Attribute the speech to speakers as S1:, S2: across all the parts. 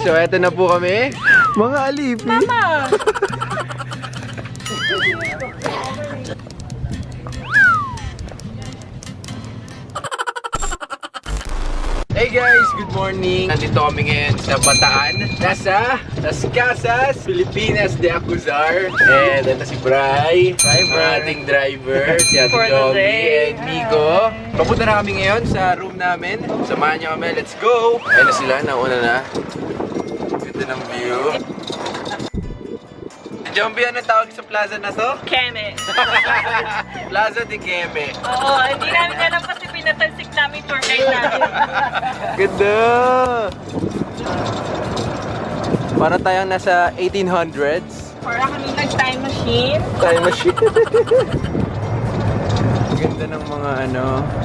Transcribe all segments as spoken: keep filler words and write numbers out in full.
S1: so eto na po kami. Mga alipi.
S2: Mama!
S1: Hey guys, good morning. Nandito kami ngayon sa Bataan. Nasa Las Casas, Pilipinas de Acuzar. And ito si Bray, driver. Ang ating driver, si Ate
S2: For
S1: Joby
S2: today.
S1: and Miko. Papunta na kami ngayon sa room namin. Samahan niyo kami, let's go! Ayun na sila, nauna na. Ganda ng view. Joby, anong tawag sa plaza na to?
S2: Keme.
S1: Plaza de Keme.
S2: Oo, hindi namin alam kasi pinatansik namin tour guide namin.
S1: Ganda! Para tayong nasa eighteen hundreds.
S2: Para kami nag-time machine.
S1: Time machine. Ganda ng mga ano.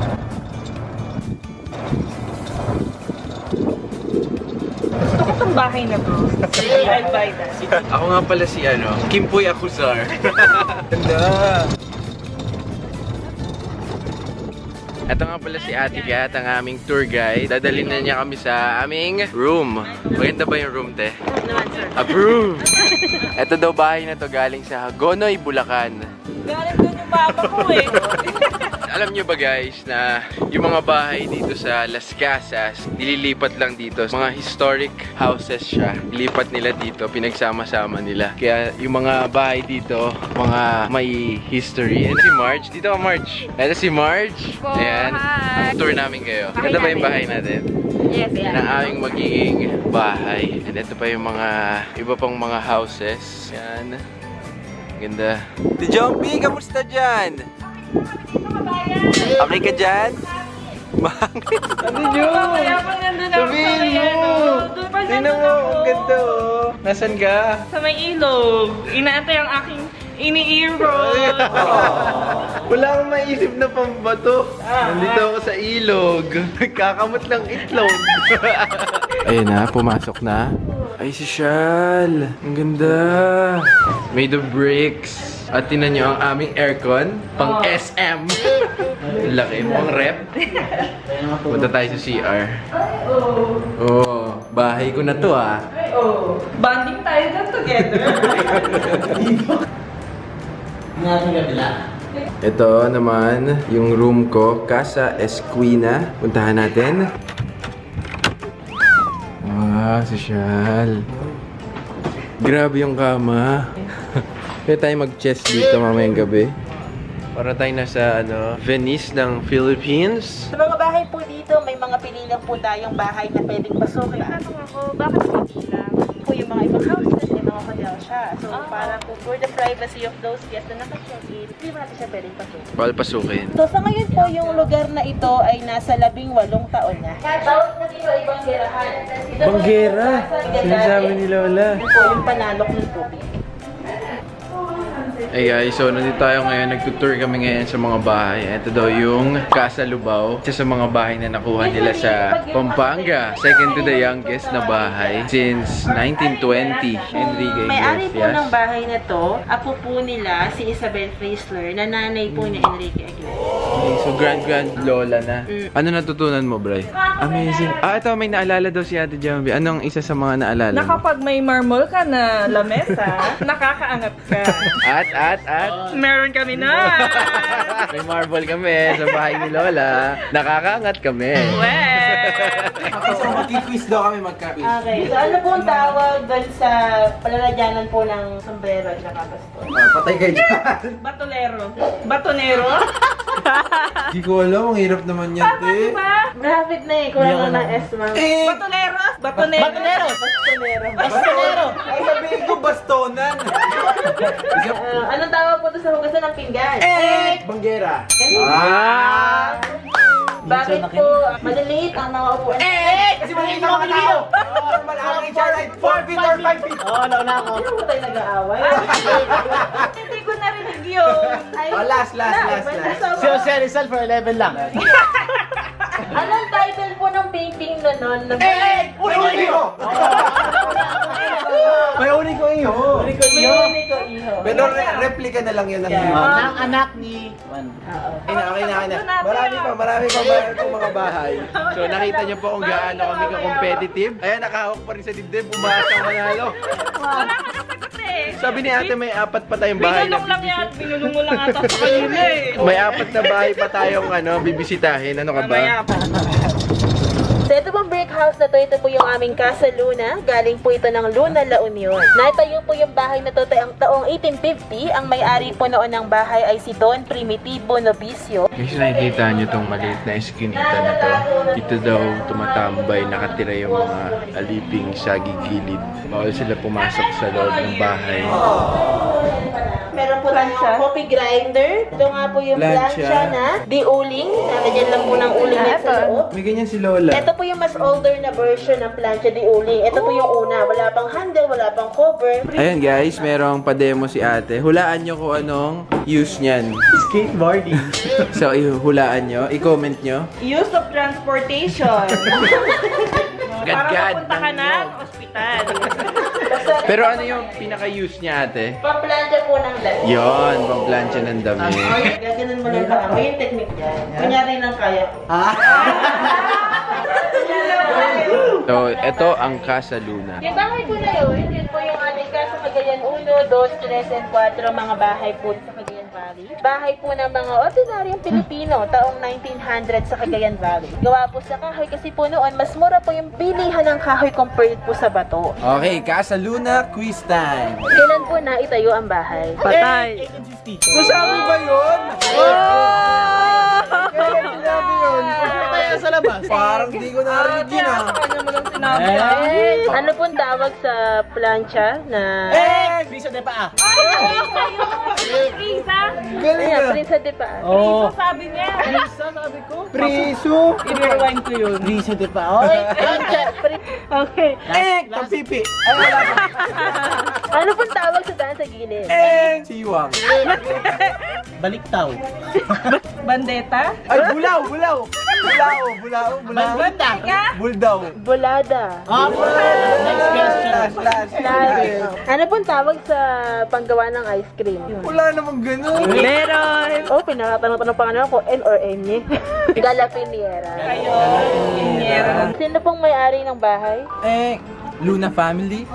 S2: Gusto ko itong bahay na bro. I'd buy that.
S1: Ako nga pala si ano, Kimpoy Acuzar. Ganda! Ito nga pala si Ate Gat, ang aming tour guide. Dadalhin na niya kami sa aming room. Maganda ba yung room, te?
S2: Naman sir.
S1: Approved! Ito daw bahay na to galing sa Hagonoy, Bulacan.
S2: Galing doon yung mama ko eh.
S1: Alam nyo ba guys na yung mga bahay dito sa Las Casas, nililipat lang dito. Mga historic houses siya. Nilipat nila dito, pinagsama-sama nila. Kaya yung mga bahay dito, mga may history. And si Marge, dito ka Marge. Ito si Marge.
S2: Po,
S1: ayan,
S2: hi.
S1: ang tour namin kayo.
S2: Bahay
S1: Ito ba yung
S2: namin.
S1: bahay natin?
S2: Yes,
S1: Yan ang aming magiging bahay. And ito pa yung mga iba pang mga houses. Yan. Ganda. Si Jompy, kamusta dyan? Okay ka dyan? Bakit? Ano nyo?
S2: Kaya pa nandun ako sa
S1: Sabihin
S2: may
S1: mo!
S2: ano. Doon pa
S1: Tingnan
S2: nandun
S1: mo,
S2: ako.
S1: ang ganda oh. Nasaan ka?
S2: Sa may ilog. Inaantay ang aking ini-earroll.
S1: Wala akong maisip na pambato. Nandito ako sa ilog. Kakamot lang itlog. Ayun na, pumasok na. Ay, si Shal. Ang ganda. Made of bricks. At tinan nyo ang aming aircon. Pang S M. Laki. Pang rep. Punta tayo sa C R.
S2: Oh.
S1: Oh, bahay ko na to ah.
S2: Oh. Bonding tayo na together.
S1: Ito naman, yung room ko, Casa Esquina. Puntahan natin. Wow, sosyal. Grabe yung kama. Kaya tayo mag-chess dito mamayang gabi. Para tayo nasa ano, Venice ng Philippines.
S3: Sa mga bahay po dito, may mga pinilang po tayong bahay na pwedeng pasukin.
S2: Tanong ako, bakit hindi lang?
S3: Po yung mga ibang houses, may mga hotel siya. So, para po for the privacy of those guests na naka-check in, hindi mo natin siya pwedeng pasukin.
S1: Bawal pasukin.
S3: So, sa ngayon po, yung lugar na ito ay nasa labing walong taon na. Tawag na dito ay banggerahan.
S1: Banggera? Sinasabi ni Lola.
S3: Ito po yung panalok ng tubig.
S1: Hey guys, so nandito tayo ngayon, nagtutour kami ngayon sa mga bahay. Ito daw yung Casa Lubao. Isa sa mga bahay na nakuha nila sa Pampanga. Second to the youngest na bahay since nineteen twenty. Enrique
S3: May-ari po ng
S1: Iglesias.
S3: bahay na to, apo po nila si Isabel Freisler, na nanay po ni Enrique Iglesias.
S1: Okay, so grand-grand lola na.
S3: Mm.
S1: Ano natutunan mo, Bray? Amazing. Ah, ito may naalala daw si Ate Jambi. Anong isa sa mga naalala
S2: Na
S1: mo?
S2: kapag may marble ka na lamesa, nakakaangat ka.
S1: At, at, at.
S2: Meron kami na.
S1: May marble kami sa bahay ni Lola. Nakakaangat kami.
S2: Well.
S1: So, magki-quiz daw kami magka-quiz.
S3: Okay, so ano po ang tawag doon sa palalagyanan po ng sombrero at saka baston?
S1: Patay kayo dyan.
S2: Batolero. Batonero?
S1: Hindi ko alam. Ang hirap naman yan, te.
S2: Diba?
S3: Malapit na eh, kulang lang ng S, ma'am.
S1: Eh!
S2: Batolero? Batonero?
S3: Bastonero! Bastonero! Bastonero!
S1: Ay, sabihin ko bastonan.
S3: Uh, anong tawag po doon sa hugasan ng pinggan?
S1: Eh! Banggera.
S3: Ganun.
S1: Ah!
S3: Bakit po maliliit ang mga upuan?
S1: Eh! Kasi maliit ang mga tao. Normal ang H R ay four feet or five feet.
S3: Oo, nauna ako. Hindi mo tayo nag-aaway.
S2: Hindi ko narinig yun.
S3: Ay,
S1: Oh, last, last,
S3: na,
S1: last,
S3: may
S1: last.
S3: nasama.
S4: Si Jose Rizal for eleven lang.
S3: Anong title po ng painting na nun?
S1: Eh! Uli ko iyo! May uli ko iyo.
S3: May uni ko iho.
S1: Pero re- replica na lang yun ng
S4: Ng anak ni Juan.
S1: Okay na, okay na, okay na. Marami pa, marami pa marami pa mga bahay. So nakita niyo po kung gaano kami ka-competitive. Ayan, nakahawak pa rin sa dibdib, bumakas ang manalo.
S2: Wala ka nasagot eh.
S1: Sabi ni ate may apat pa tayong bahay na
S2: Binulong lang yan.
S1: bibisita.
S2: Binulong mo lang ata sa kanila eh.
S1: May apat na bahay pa tayong ano, bibisitahin. Ano ka ba?
S2: Mamaya pa.
S3: So ito pong brick house na to, ito po yung aming Casa Luna. Galing po ito ng Luna, La Union. Natayo po yung bahay na to taong taong eighteen fifty. Ang may-ari po noon ng bahay ay si Don Primitivo Novicio.
S1: Guys, nakikita nyo tong maliit na eskinita na to. Dito daw tumatambay, nakatira yung mga aliping sa gigilid. Bawal sila pumasok sa loob ng bahay.
S3: Meron po tayong coffee grinder. Ito nga po yung
S1: Plancha.
S3: plancha na di-uling. Nalagyan lang po ng uling yan sa loob.
S1: May ganyan si Lola.
S3: Ito po yung mas older na version ng plancha di-uling. Ito po yung una. Wala pang handle, wala pang cover.
S1: Ayan guys, merong pa-demo si ate. Hulaan nyo kung anong use niyan.
S4: Skateboarding.
S1: So, ihulaan nyo, i-comment nyo.
S2: Use of transportation. Para
S1: Gad-gad.
S2: mapunta ka ng ospital.
S1: Pero ano yung pinaka-use niya ate?
S3: Pang-plancha po ng damit.
S1: Yon, pang-plancha ng damit.
S3: Gaganon mo lang ka. May technique dyan. Kunyari lang kaya.
S1: So, ito ang Casa Luna.
S3: Yung bahay po na yun, yun po yung ating Casa Cagayan one, two, three, and four, mga bahay po sa Cagayan Valley. Bahay po ng mga ordinaryong Pilipino, taong nineteen hundred sa Cagayan Valley. Gawa po sa kahoy kasi po noon, mas mura po yung bilihan ng kahoy compared po sa bato.
S1: Okay, Casa Luna, quiz time.
S3: Kailan po na itayo ang bahay?
S2: Patay.
S4: eighteen fifty.
S1: Masabi ba yun? Kailan sinabi yun?
S4: Kaya sa labas.
S1: Parang di ko narinig yun ah.
S2: Kanya mo lang sinabi.
S4: Eh!
S3: Ano pong tawag sa plancha na...
S4: Eh! Piso de pa ah.
S2: Prisa?
S1: Galing
S3: Ayan,
S1: ah.
S3: Prinsa de Paz.
S4: Oo.
S2: So sabi niya.
S4: Piso sabi ko.
S1: Priso.
S2: I-rewind ko yun.
S4: Piso de pa. Oy!
S3: Plancha, pri-
S2: Okay.
S1: Eh, kapipi. Ay, wala pa.
S3: Ano pong tawag sa daan sa gilid?
S1: Eh, siwang.
S4: Baliktaw.
S2: Bandeta?
S1: Ay, bulaw, bulaw. Bulaw, bulaw, bulaw.
S4: Balbanda.
S1: Buldaw.
S3: Bulada.
S4: Ah, next question.
S1: Last, last,
S3: Lager.
S1: last.
S3: Ano pong tawag sa panggawa ng ice cream?
S1: Wala namang ganun.
S2: Meron.
S3: Oh, pinakatanong-tanong pa nga ako, N or N niya. Galapiniera.
S2: Ayun. Meron.
S3: Sino pong may-ari ng bahay?
S1: Eh, Luna family?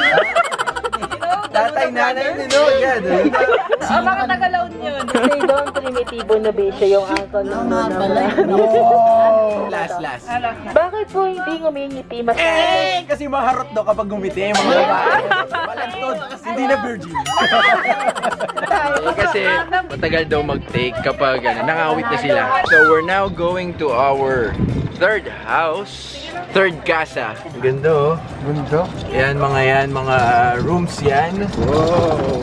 S1: Tatay, nanay, nino, yan.
S2: Ah, baka Tagalaon yun.
S3: Si Don Primitivo Novicio, yung uncle ng
S4: nga pala.
S1: Oh. Last, last.
S2: Alam na.
S3: Bakit po hindi ngumingiti masyado?
S1: Eh, kasi maharot daw kapag gumiti yung mga babae. Balantod, hindi na virgin. Eh, kasi matagal daw mag-take kapag ano, nakawit na sila. So we're now going to our third house. Third casa. Ang ganda oh. Ganda. Yan mga yan, mga rooms yan. Wow.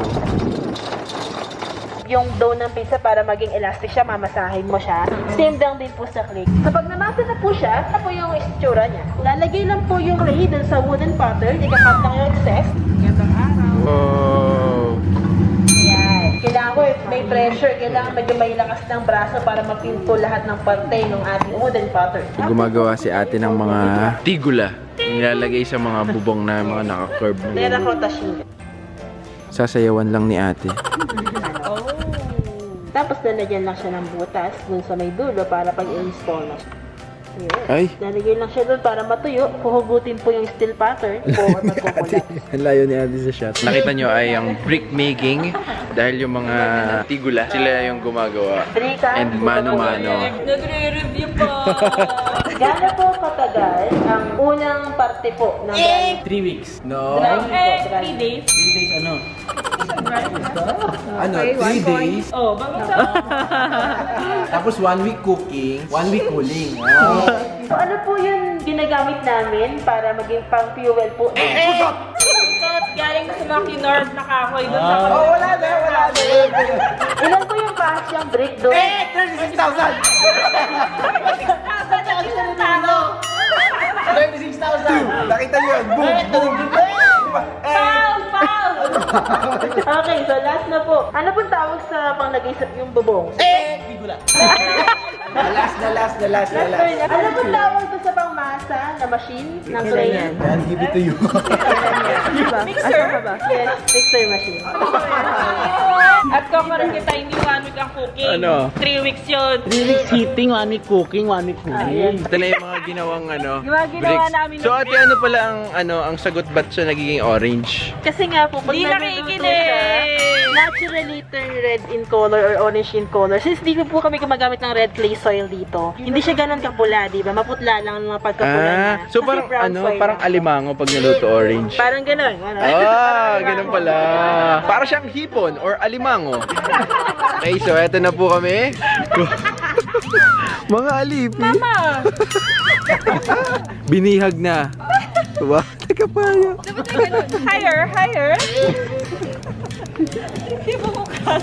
S3: Yung dough ng pizza para maging elastic siya, mamasahin mo siya. Same lang din po sa click. Kapag namasa na po siya, ito po yung itsura niya. Lalagay lang po yung clay dun sa wooden pattern, ikakat lang yung excess.
S2: Gandang araw.
S1: Wow.
S3: Ayan. Kailangan ko, may pressure, kailangan medyo may lakas ng braso para mapinto lahat ng parte ng ating wooden pattern.
S1: Gumagawa si ate ng mga tigula. Nilalagay sa mga bubong na mga naka-curve na ganyan.
S3: Terracotta sheet.
S1: Sasayawan lang ni ate.
S2: Oh.
S3: Tapos lalagyan lang siya ng butas dun sa may dulo para pag-install na siya. Yes.
S1: Ay.
S3: Lalagyan lang siya dun para matuyo. Puhugutin po yung steel pattern po magkukulat.
S1: Ang layo ni ate sa shot. Nakita nyo ay ang brick making dahil yung mga tigula, sila yung gumagawa.
S3: Brika.
S1: And mano-mano.
S2: Nagre-review pa.
S3: Gano'n po katagal ang unang parte po ng
S4: Eh! Three weeks.
S1: No?
S2: Eh, three days.
S4: Three days ano?
S1: Ano? Three days.
S2: Oh, bangsa.
S1: Tapos one week cooking, one week cooling. Oh.
S3: So ano po yung ginagamit namin para maging pang fuel po?
S2: Eh! Pusot, galing sa mga kinord na kahoy doon sa
S1: Oh, wala na, wala na.
S3: Ilan po yung cash yung brick doon?
S1: Eh, thirty-six thousand!
S4: thirty-six thousand.
S1: Nakita nyo yun? Boom, boom, boom.
S2: Foul! Foul!
S3: Okay, so last na po. Ano pong tawag sa panglagay sa yung bubong?
S4: Eh! Bigula.
S1: The last, the last, the last, the
S3: Last
S1: last.
S3: turn. Ano pong tawag to sa pangmasa na machine ng clay?
S1: I'll give it to you.
S3: Mixer? Asa ka ba? Yes, mixer machine.
S2: At kukurin kita, hindi one week ang cooking.
S1: Ano?
S2: Three weeks yun.
S4: Three weeks heating, one week cooking, one week cooling.
S1: Ito na yung mga ginawang ano,
S2: Yung mga ginawa
S1: bricks.
S2: namin
S1: So
S2: ng
S1: ate, ano pala ang ano ang sagot ba't siya nagiging orange?
S3: Kasi nga po, pag
S2: Hindi
S3: nagluluto
S2: nakikinig.
S3: siya, naturally turn red in color or orange in color. Since di po kami gumagamit ng red clay soil dito, hindi siya ganun kapula, di ba? Maputla lang ang mga pagkapula niya.
S1: Ah, so
S3: Kasi
S1: parang
S3: brown
S1: ano,
S3: soil
S1: parang
S3: lang.
S1: alimango pag naluto orange.
S3: Parang ganun. Ano?
S1: Ah, ganun pala. Para siyang hipon or alimango. Okay, so eto na po kami. Mga alipi.
S2: Mama!
S1: Binihag na. Wow, teka pa yun.
S2: Dapat na ganun. Higher, higher. Hindi mo bukas.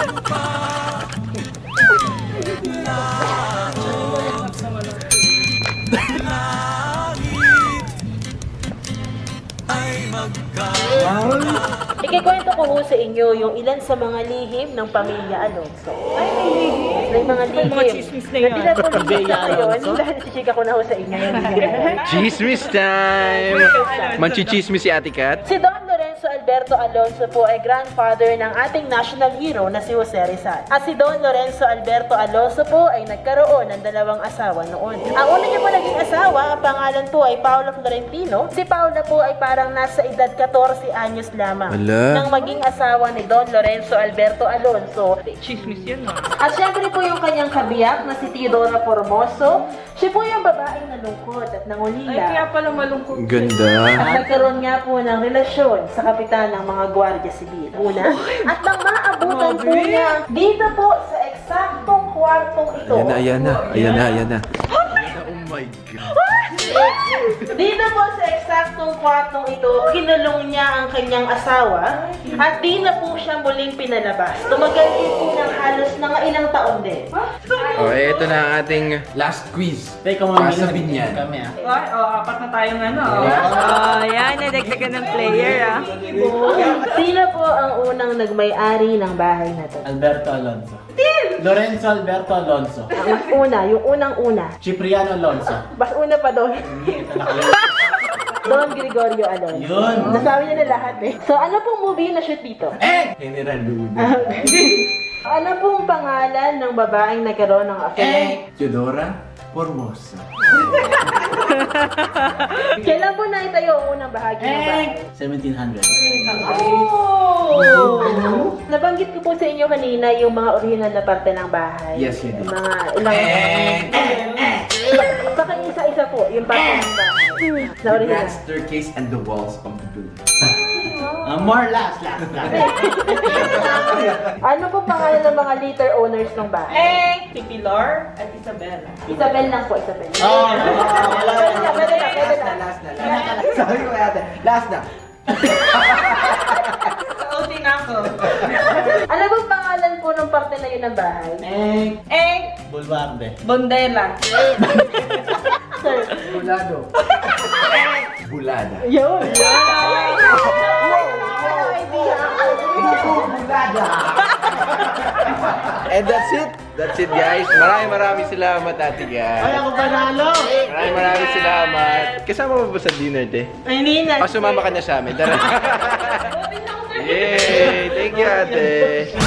S3: Ikikwento ko ho sa inyo yung ilan sa mga lihim ng pamilya Alonso. Ay, may lihim. May mga lihim.
S2: mga chismis na yan.
S3: Hindi na po lihim
S4: Bea
S3: sa yun.
S4: Alonso?
S3: Dahil sisika ko na ho sa inyo.
S1: Chismis time! Manchichismis si Ate Kat.
S3: Si Don Lorenzo Alberto Alonso po ay grandfather ng ating national hero na si Jose Rizal. At si Don Lorenzo Alberto Alonso po ay nagkaroon ng dalawang asawa noon. Ang una niya po naging asawa, ang pangalan po ay Paula Florentino. Si Paula po ay parang nasa edad fourteen anyos lamang.
S1: Ala.
S3: Nang maging asawa ni Don Lorenzo Alberto Alonso.
S2: Chismis yun, no?
S3: At syempre po yung kanyang kabiyak na si Teodora Formoso. Siya po yung babaeng nalungkot at
S2: Ay,
S3: nangulila.
S2: kaya pala malungkot.
S1: Ang ganda.
S3: At nagkaroon nga po ng relasyon sa kapitan ng mga Guardia Civil. Una, at nang maabutan po niya dito po sa eksaktong kwartong ito.
S1: Ayan na, ayan na. Ayan na, ayan na. Oh my God.
S3: Dito po sa eksaktong kwartong ito, kinulong niya ang kanyang asawa at di na po siya muling pinalabas. Tumagal din po ng halos mga ilang taon din.
S1: Oh, eto na ang ating last quiz.
S4: Teka mo,
S1: Pasabihin yan.
S4: kami ah.
S2: Ay, oh, apat na tayong ano. Oh, yan. Nadagdagan ng player, ah.
S3: Sino po ang unang nagmay-ari ng bahay na to?
S4: Alberto Alonso. Lorenzo Alberto Alonso.
S3: Ang mas una, yung unang-una.
S4: Cipriano Alonso.
S3: Mas una pa doon.
S4: Ito na kayo.
S3: Don Gregorio Alonso.
S4: Yun.
S3: Nasabi niya na lahat eh. So ano pong movie na shoot dito?
S4: Eh!
S1: General Luna.
S3: Ano pong pangalan ng babaeng nagkaroon ng affair?
S4: Eh!
S1: Teodora Formosa.
S3: Kailan po na itayo ang unang bahagi ng bahay?
S4: Eh! seventeen hundred.
S3: Oh! Nabanggit ko po sa inyo kanina yung mga original na parte ng bahay.
S1: Yes, you did.
S3: Yung mga ilang... Saka isa-isa po, yung parte ng bahay. Na original.
S1: staircase and the walls of the building.
S4: Uh, more last, last, last.
S3: Ano po pangalan ng mga later owners ng bahay?
S2: Eh, si Pilar at Isabel.
S3: Isabel lang po, Isabel.
S4: Oh,
S3: Pwede na, pwede na, pwede na.
S1: Last na, last na. Sabi ko ate, last na.
S2: Sauti na ako.
S3: Ano ba pangalan po ng parte na yun ng bahay?
S4: Eh!
S2: Eh,
S4: Bulwarde.
S2: Bondela.
S3: Sir.
S1: Bulado. Bulada.
S3: Yun.
S1: And that's it. That's it guys. Maraming maraming salamat Ate
S4: Ay,
S1: Gat.
S4: ako panalo!
S1: Maraming maraming salamat. Kasama mo ba sa dinner, te?
S3: Ay, hindi na.
S1: O sumama ka na sa amin. Tara. Yay! Thank you, ate.